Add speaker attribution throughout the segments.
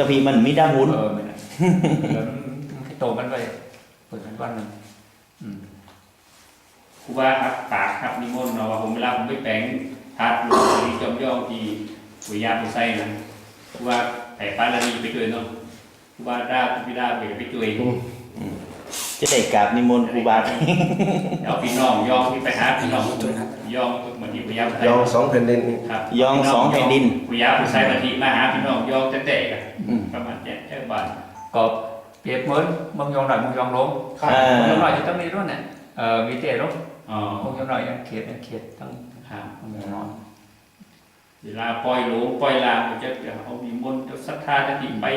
Speaker 1: แต่พี่มันมีดาหุ่น
Speaker 2: ไม่ได้แล้วมันให้โตกันไปเปิดกันวันหนึ่งครูบาครับปากครับนิมนต์เนาะว่าผมเวลาผมไปแปลงทัดหรือจอมย่องที่ปุยยาปุยไส้นะครูบาไผ่ปลาละนีไปช่วยเนาะครูบาด้าพี่ด้าไปช่วย
Speaker 1: จะได้กราบนิมนต์ครูบา
Speaker 2: เอาพี่น้องย่องที่ไปหาพี่น้องย่องเหมือนที่ปุยยา
Speaker 3: ย่องสองแผ่นดิน
Speaker 1: ครับย่องสองแผ่นดิน
Speaker 2: ปุยยาปุยไส้มาทีมาหาพี่น้องย่องเตะกันประมาณแค่บาทก็เปรียบเหมือนมึงยองหน่อยมึงยองลงมึงยองหน่อยจะต้องมีรุ่นเนี่ยมีเตะรุ่นมึงยองหน่อยเขียดทั้งมึงยองหน่อยเวลาปล่อยหลงปล่อยลาจะเอามีมนต์จะศรัทธาจะติไป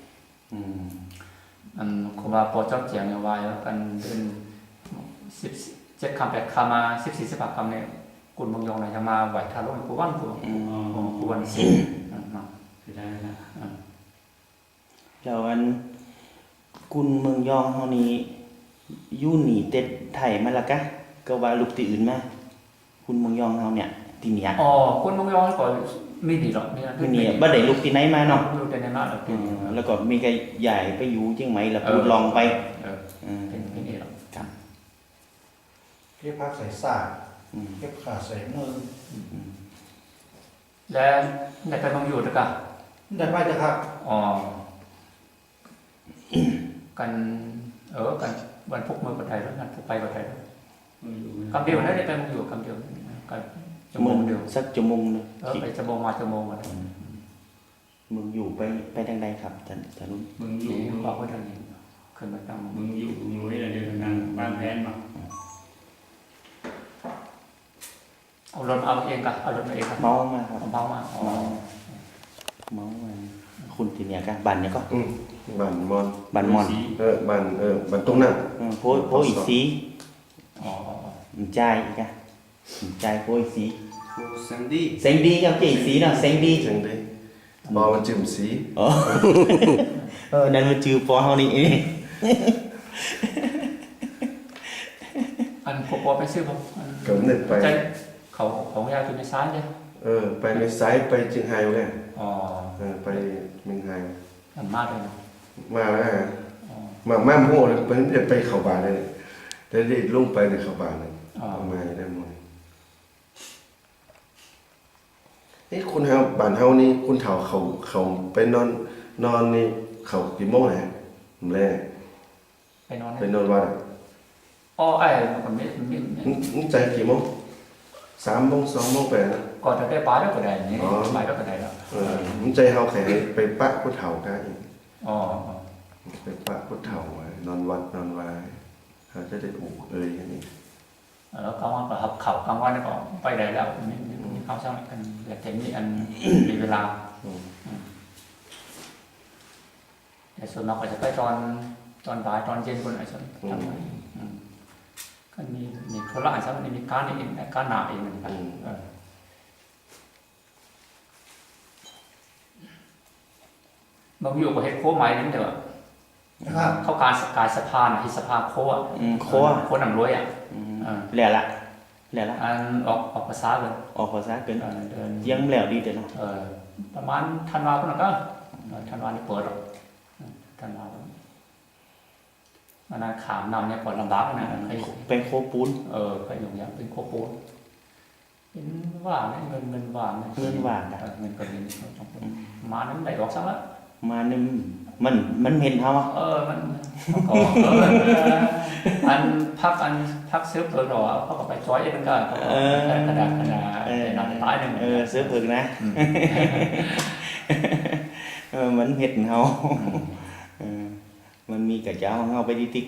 Speaker 2: อันครูบาปอเจ้าเจียงเอาไว้แล้วกันเดือน17 คำ 8 คำมา14 15 คำเนี่ยกุลมึงยองหน่อยจะมาไหวทารุณกูวันกูวันสิได้นะ
Speaker 1: แล้วอันกุนเมืองยองเฮานี้อยู่หนีเต็ดไทยมาละกะก็ว่าลูกที่อื่นมาคุณเมืองยองเฮาเนี่ยที่เนี่ย
Speaker 2: คุณเมืองยองก็มีดีหรอก
Speaker 1: นี่บ่ได้ลูกที่ไหนมาเนาะ
Speaker 2: ลูกที่ไหนมา
Speaker 1: แล้วก็มีก็ใหญ่ไปอยู่เชียงใหม่แล้วพูดลองไป
Speaker 2: เป็นนี่หรอก
Speaker 1: ครับ
Speaker 3: เรียกภาคใส่สาเรียกขาใส่มือ
Speaker 2: แล้วได้ไปเมืองอยู่ด้วยกัน
Speaker 3: ได้ไปจ้ะครับ
Speaker 2: กันกันวันพุกมือกับไทยแล้วกันพุกไปกับไทยคำเดียวนั้นได้ไปมึงอยู่คำเดียวกันชั่วโมงเดียว
Speaker 1: สักชั่วโมงนึง
Speaker 2: ไปชั่วโมงมาชั่วโมงอะไร
Speaker 1: มึงอยู่ไปทางใดครับท่านลุง
Speaker 2: มึงอยู่บอกว่าทางนี้ขึ้นมาตั้งมึงอยู่ให้เดินทางบ้านแพนมาเอารถเอาเองกับเอารถมาเองครับ
Speaker 1: เมามาครับ
Speaker 2: เมามา
Speaker 1: เมามาคุณที่เนี่ยกันบันเนี่ยก็
Speaker 3: บันมอน
Speaker 1: บัน
Speaker 3: บันตรงนั้น
Speaker 1: โพอีสีใจอีกอะใจโพอีสี
Speaker 3: เซงดี้
Speaker 1: ครับเจสีเนาะเซงดี้
Speaker 3: บอมันจืมสี
Speaker 1: นั่นมันจือปอเฮานี่
Speaker 2: อันพอไปซื้อผม
Speaker 3: เกิดนึกไป
Speaker 2: เขาของยาอยู่ในซ้ายเนี่ย
Speaker 3: ไปในซ้ายไปเชียงไฮ้เลยไปเมืองไฮ้
Speaker 2: มันมากเลย
Speaker 3: มาแล้วมาโม่เลยไปเข้าบ้านเลยได้ลงไปในเข้าบ้านเลยมาได้หมดนี่คุณเฮาบ้านเฮานี่คุณเฒ่าเขาไปนอนนี่เขากี่โมงฮะผมแรกไปนอนวัด
Speaker 2: ไอ้คน
Speaker 3: นี่ใจกี่โมง3 โมง 2 โมงไปนะ
Speaker 2: ก่อนจะได้ป้าแล้วก็ได้นี่ไปแล้วก็ได้แล้ว
Speaker 3: มันใจเฮาแค่ไปปะผู้เฒ่ากันอีกไปปะผู้เฒ่านอนวัดนอนวายเขาจะได้ถูกอย่างนี้
Speaker 2: แล้วกลางวันก็หับเข่ากลางวันก็ไปได้แล้วมีข้าวเช้ากันอยากเห็นมีอันมีเวลาแต่ส่วนมากก็จะไปตอนบ่ายตอนเย็นคนไหนส่วนทำไมก็มีธุระใช่ไหมมีการนี่เองการหนาเองเหมือนกันบางอยู่กับเฮ็ดโค้ไม้นั่นเถอะเข้าการสะพานที่สะพานโค้หนังรวย
Speaker 1: แหล่ละ
Speaker 2: อันออกภาษาเกิน
Speaker 1: เดินยังแหล่ดีเด้อเนาะ
Speaker 2: ประมาณธันวาคมก็ธันวานี่เปิดหรอกธันวามันขามนำเนี่ยก่อนลำบากนะ
Speaker 1: เป็นโคปูน
Speaker 2: ไปอยู่อย่างเป็นโคปูนเป็นว่างเงินว่าง
Speaker 1: เงินว่าง
Speaker 2: เงินก็มีมานั้นได้ดอกซ้ำละ
Speaker 1: มานึงมันเห็นเฮา
Speaker 2: มันก็อันพักซื้อเพิ่งหรอเขาก็ไปจ้อยเองก็กระดาษนอนตายนึง
Speaker 1: ซื้อเพิ่งนะมันเห็นเฮามันมีกระเจ้าเฮาไปดิติ๊ก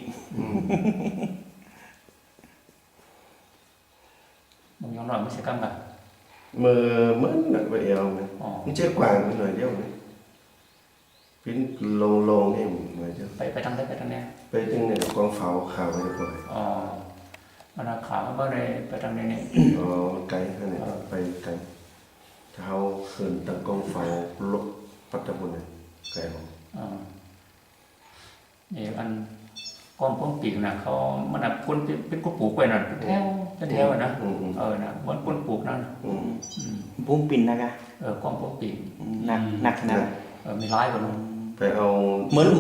Speaker 2: มึงยอมหน่อยไม่ใช่กันแบบ
Speaker 3: มือเหมือนหนักไปเอวไหมไม่ใช่กวางหน่อยเดียวไหมปิ้นลงเองเหมือนจะ
Speaker 2: ไปทางไหนไปทางไหน
Speaker 3: ไปทางไหนกองเฝ้าข่าวไปก่อน
Speaker 2: มันข่าวมันก็เลยไปทางนี้
Speaker 3: ไกลขนาดไปไกลเท้าขึ้นตะกองเฝ้าลบปัตตานีไกลของ
Speaker 2: นี่อันก้อมพ้นปีกนะเขามันพ้นเป็นก้นปลูกไปนั่นแถวนะนะมันก้นปลูกนั่น
Speaker 1: พุ่งปิ่นนะคะ
Speaker 2: ก้อมพ้นปีก
Speaker 1: หนักขนาด
Speaker 2: มีร้ายกว่านั้น
Speaker 3: ไปเอา
Speaker 1: เหมือน